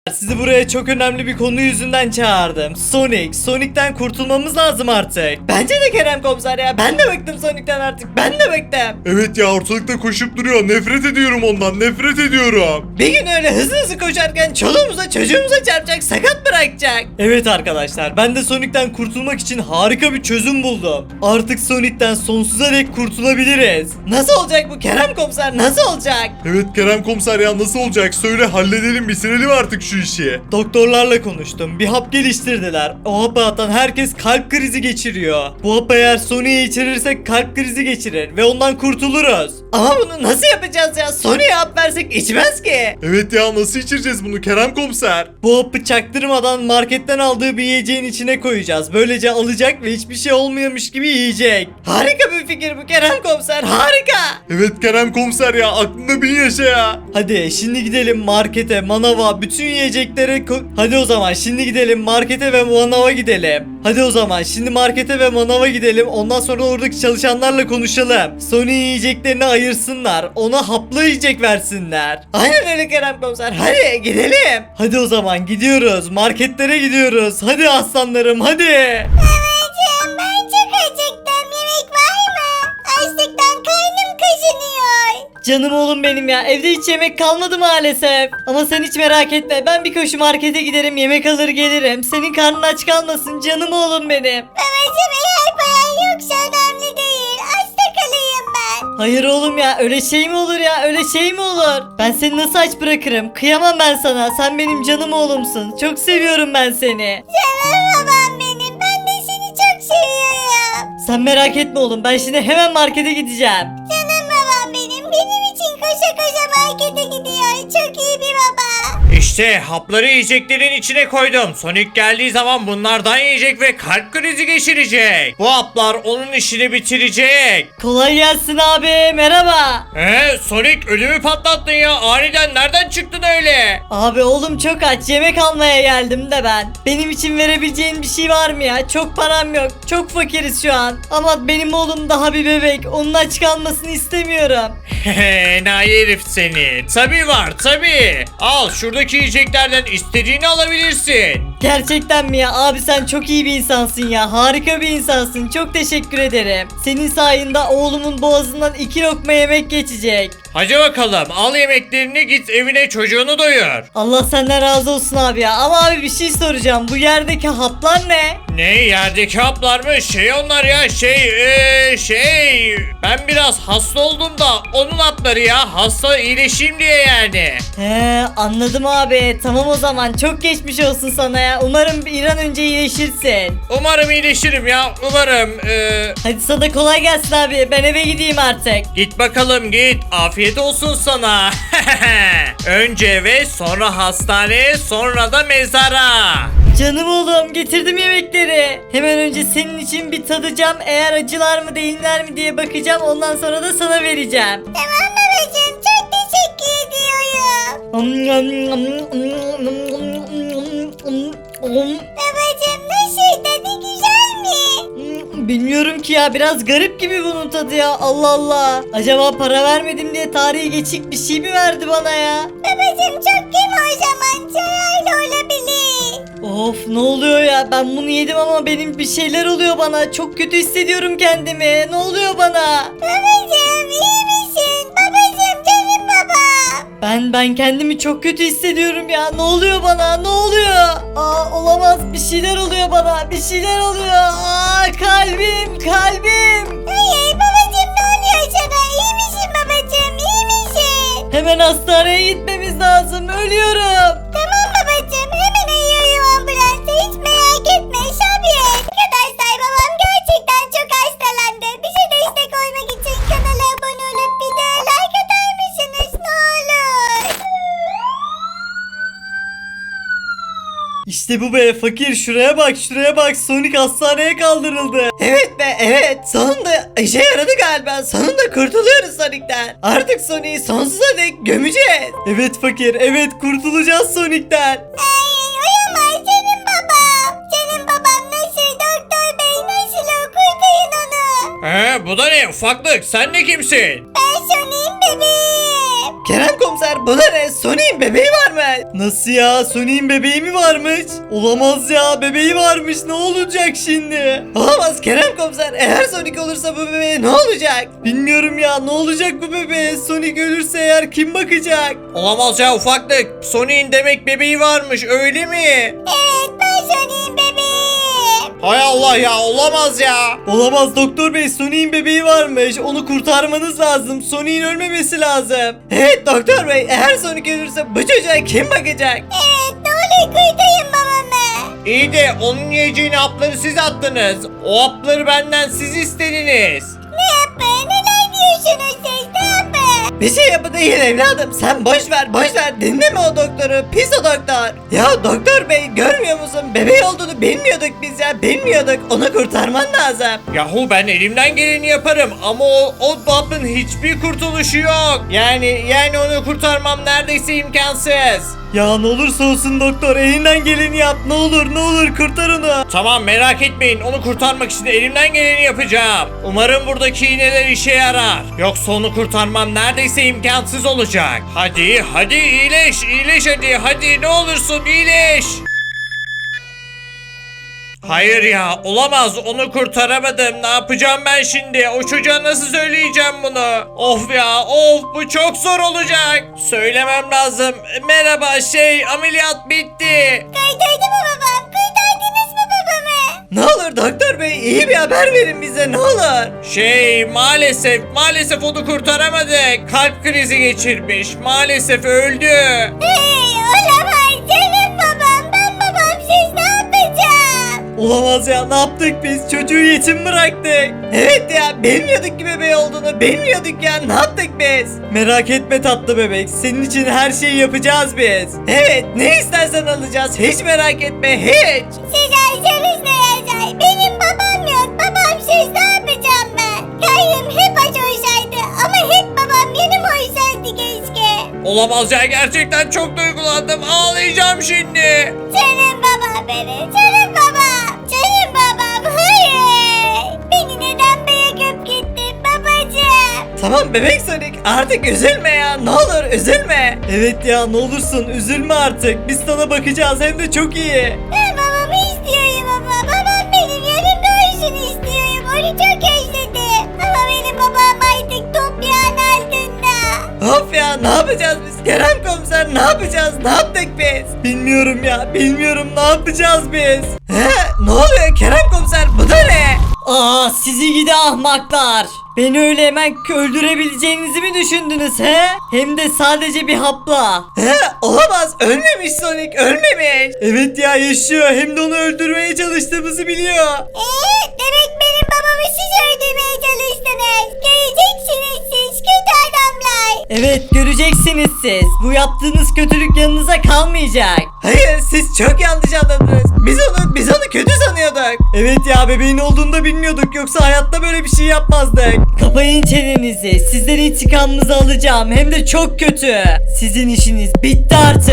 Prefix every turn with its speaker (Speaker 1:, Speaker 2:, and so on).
Speaker 1: Sizi buraya çok önemli bir konu yüzünden çağırdım. Sonic'ten kurtulmamız lazım artık. Bence de Kerem Komiser ya. Ben de bıktım Sonic'ten artık. Ben de bıktım.
Speaker 2: Evet ya, ortalıkta koşup duruyor. Nefret ediyorum ondan. Nefret ediyorum.
Speaker 1: Bir gün öyle hızlı koşarken çoluğumuza çocuğumuza çarpacak, sakat bırakacak. Evet arkadaşlar, ben de Sonic'ten kurtulmak için harika bir çözüm buldum. Artık Sonic'ten sonsuza dek kurtulabiliriz. Nasıl olacak bu Kerem Komiser, nasıl olacak?
Speaker 2: Evet Kerem Komiser ya, nasıl olacak? Söyle, halledelim, bitirelim artık şu işi.
Speaker 1: Doktorlarla konuştum. Bir hap geliştirdiler. O hapı atan herkes kalp krizi geçiriyor. Bu hapı eğer Sonic'e içirirsek kalp krizi geçirir ve ondan kurtuluruz. Ama bunu nasıl yapacağız ya? Sonic'e hap versek içmez ki.
Speaker 2: Evet ya, nasıl içireceğiz bunu Kerem Komiser?
Speaker 1: Bu hapı çaktırmadan marketten aldığı bir yiyeceğin içine koyacağız. Böylece alacak ve hiçbir şey olmuyormuş gibi yiyecek. Harika bir fikir bu Kerem Komiser, harika.
Speaker 2: Evet Kerem Komiser ya, aklında bin yaşa ya.
Speaker 1: Hadi şimdi gidelim markete, manava, bütün yiyeceklere hadi o zaman şimdi gidelim markete ve manava gidelim. Hadi o zaman şimdi markete ve manava gidelim. Ondan sonra oradaki çalışanlarla konuşalım. Sony yiyeceklerini ayırsınlar. Ona haplı yiyecek versinler. Aynen öyle Kerem Komiser. Hadi gidelim. Hadi o zaman gidiyoruz. Marketlere gidiyoruz. Hadi aslanlarım hadi.
Speaker 3: Babacığım, ben çok acıktım. Yemek var mı? Açlıktan karnım kaşınıyor.
Speaker 1: Canım oğlum benim ya. Evde hiç yemek kalmadı maalesef. Ama sen hiç merak etme. Ben bir koşu markete giderim. Yemek alır gelirim. Senin karnın aç kalmasın. Canım oğlum benim.
Speaker 3: Babacığım, eğer paran yoksa önemli değil. Açta kalayım ben.
Speaker 1: Hayır oğlum ya. Öyle şey mi olur ya? Öyle şey mi olur? Ben seni nasıl aç bırakırım? Kıyamam ben sana. Sen benim canım oğlumsun. Çok seviyorum ben seni.
Speaker 3: Canım babam benim. Ben de seni çok seviyorum.
Speaker 1: Sen merak etme oğlum. Ben şimdi hemen markete gideceğim.
Speaker 3: Canım babam benim. Benim için koşa koşa markete gidiyor. Çok iyi bir baba.
Speaker 4: İşte hapları yiyeceklerin içine koydum. Sonic geldiği zaman bunlardan yiyecek ve kalp krizi geçirecek. Bu haplar onun işini bitirecek.
Speaker 1: Kolay gelsin abi. Merhaba.
Speaker 4: Sonic ödümü patlattın ya. Aniden nereden çıktın öyle?
Speaker 1: Abi oğlum çok aç. Yemek almaya geldim de ben. Benim için verebileceğin bir şey var mı ya? Çok param yok. Çok fakiriz şu an. Ama benim oğlum daha bir bebek. Onun aç kalmasını istemiyorum.
Speaker 4: Enayi herif seni. Tabii var tabii. Al şuradaki yiyeceklerden istediğini alabilirsin.
Speaker 1: Gerçekten mi ya? Abi sen çok iyi bir insansın ya. Harika bir insansın. Çok teşekkür ederim. Senin sayende oğlumun boğazından 2 lokma yemek geçecek.
Speaker 4: Hadi bakalım al yemeklerini, git evine çocuğunu doyur.
Speaker 1: Allah senden razı olsun abi ya. Ama abi bir şey soracağım. Bu yerdeki haplar ne?
Speaker 4: Ne, yerdeki haplar mı? Onlar ya ben biraz hasta oldum da onun hapları ya, hasta iyileşeyim diye yani.
Speaker 1: He anladım abi. Tamam o zaman. Çok geçmiş olsun sana ya. Umarım bir an önce iyileşirsin.
Speaker 4: Umarım iyileşirim ya, umarım.
Speaker 1: Hadi sana kolay gelsin abi. Ben eve gideyim artık.
Speaker 4: Git bakalım git, afiyet olsun sana. Önce eve, sonra hastaneye, sonra da mezara.
Speaker 1: Canım oğlum getirdim yemekleri. Hemen önce senin için bir tadacağım. Eğer acılar mı değiller mi diye bakacağım. Ondan sonra da sana vereceğim.
Speaker 3: Tamam babacığım, çok teşekkür ediyorum. Babacığım, nasıl, tadı güzel mi?
Speaker 1: Bilmiyorum ki ya, biraz garip gibi bunun tadı ya. Allah Allah. Acaba para vermedim diye tarihi geçik bir şey mi verdi bana ya?
Speaker 3: Babacığım, çok yeme o zaman. Zararlı olabilir.
Speaker 1: Of ne oluyor ya, ben bunu yedim ama benim bir şeyler oluyor bana. Çok kötü hissediyorum kendimi. Ne oluyor bana?
Speaker 3: Babacığım, iyi misin? Babacığım, canım babam.
Speaker 1: Ben kendimi çok kötü hissediyorum ya. Ne oluyor bana? Ne oluyor? Olamaz. Bir şeyler oluyor bana. Bir şeyler oluyor. Kalbim.
Speaker 3: Hayır babacığım, ne oluyor sana? İyi misin babacığım? İyi misin?
Speaker 1: Hemen hastaneye gitmemiz lazım. Ölüyorum.
Speaker 3: Tamam babacığım, hemen arıyorum ambulansı. Hiç merak etme, sabret. Arkadaşlar, babam gerçekten çok hastalandı. Bize destek olmak için kanala abone olup videoya like atar mısınız? Ne olur.
Speaker 1: İşte bu be fakir, şuraya bak Sonic hastaneye kaldırıldı. Evet be evet, sonunda işe yaradı galiba. Sonunda kurtuluyoruz Sonic'ten. Artık Sonic'i sonsuza dek gömeceğiz. Evet fakir, evet kurtulacağız Sonic'ten.
Speaker 3: Ay, uyumaz canım babam. Canım babam nasıl? Doktor bey nasıl o? Kurtarın onu.
Speaker 4: Bu da ne ufaklık, sen de kimsin?
Speaker 3: Ben Sonic'in bebeğim.
Speaker 1: Kerem komiser bu ne? Sonic'in bebeği var mı? Nasıl ya? Sonic'in bebeği mi varmış? Olamaz ya, bebeği varmış, ne olacak şimdi? Olamaz Kerem komiser, eğer Sonic olursa bu bebeğe ne olacak? Bilmiyorum ya, ne olacak bu bebeğe? Sonic ölürse eğer kim bakacak?
Speaker 4: Olamaz ya ufaklık. Sonic'in demek bebeği varmış öyle mi?
Speaker 3: Evet ben Sonic'in bebeğim.
Speaker 4: Hay Allah ya olamaz ya.
Speaker 1: Olamaz doktor bey, Sonic'in bebeği varmış. Onu kurtarmanız lazım. Sonic'in ölmemesi lazım. Evet doktor bey, eğer Sonic ölürse bu çocuğa kim bakacak?
Speaker 3: Evet ne olur kurtarın babamı.
Speaker 4: İyi de onun yiyeceğini hapları siz attınız. O hapları benden siz istediniz.
Speaker 3: Ne yapın? Neden diyorsunuz siz? Ne yapın?
Speaker 1: Bir şey yapı değil evladım. Sen boş ver. Dinleme o doktoru. Pis o doktor. Ya doktor bey, görmüyor musun? Bebeği olduğunu bilmiyorduk biz ya. Bilmiyorduk. Onu kurtarman lazım.
Speaker 4: Yahu ben elimden geleni yaparım ama o hapın hiçbir kurtuluşu yok. Yani onu kurtarmam neredeyse imkansız.
Speaker 1: Ya ne olursa olsun doktor, elinden geleni yap. Ne olur kurtar onu.
Speaker 4: Tamam merak etmeyin onu kurtarmak için elimden geleni yapacağım. Umarım buradaki iğneler işe yarar. Yoksa onu kurtarmam neredeyse imkansız olacak. Hadi iyileş hadi ne olursun iyileş. Hayır ya olamaz onu kurtaramadım. Ne yapacağım ben şimdi? O çocuğa nasıl söyleyeceğim bunu? Of ya bu çok zor olacak. Söylemem lazım. Merhaba ameliyat bitti.
Speaker 3: Kurtardı mı babam? Kurtardınız mı babamı?
Speaker 1: Ne olur doktor bey, iyi bir haber verin bize, ne olur.
Speaker 4: Maalesef onu kurtaramadık. Kalp krizi geçirmiş. Maalesef öldü.
Speaker 3: Hey olamaz canım babam. Ben babamsız ne yapacağım?
Speaker 1: Olamaz ya, ne yaptık biz? Çocuğu yetim bıraktık. Evet ya, bilmiyorduk ki bebeği olduğunu. Bilmiyorduk ya, ne yaptık biz? Merak etme tatlı bebek, senin için her şeyi yapacağız biz. Evet, ne istersen alacağız, hiç merak etme, hiç.
Speaker 3: Siz ayşeniz ne yazar? Benim babam yok. Babamsız ne yapacağım ben? Karnım hep aç olsaydı ama hep babam yanım olsaydı keşke.
Speaker 4: Olamaz ya gerçekten çok duygulandım. Ağlayacağım şimdi.
Speaker 3: Canım babam benim. Canım babam. Canım babam. Hayır. Beni neden bırakıp gittin babacığım?
Speaker 1: Tamam bebek Sonic, artık üzülme ya, ne olur üzülme. Evet ya, ne olursun üzülme artık, biz sana bakacağız, hem de çok iyi.
Speaker 3: Ben babamı istiyorum baba. Babam benim yanımda olsun istiyorum. Onu çok özledim. Ama benim babam artık toprağın altında.
Speaker 1: Of ya, ne yapacağız biz? Kerem komiser, ne yapacağız? Ne yaptık biz? Bilmiyorum ya, bilmiyorum, ne yapacağız biz? Ne oluyor Kerem komiser, bu da ne? Aa, sizi gidi ahmaklar. Beni öyle hemen öldürebileceğinizi mi düşündünüz he? Hem de sadece bir hapla. Olamaz, ölmemiş Sonic, ölmemiş. Evet ya, yaşıyor, hem de onu öldürmeye çalıştığımızı biliyor.
Speaker 3: Demek benim babamı siz öldürmeye çalıştınız. Göreceksiniz siz kötü adamlar.
Speaker 1: Evet, göreceksiniz siz. Bu yaptığınız kötülük yanınıza kalmayacak. Hayır, siz çok yanlış anladınız. Biz onu kötü sanıyorduk. Evet ya, bebeğin olduğunu da bilmiyorduk. Yoksa hayatta böyle bir şey yapmazdık. Kapayın çenenizi. Sizden intikamınızı alacağım. Hem de çok kötü. Sizin işiniz bitti artık.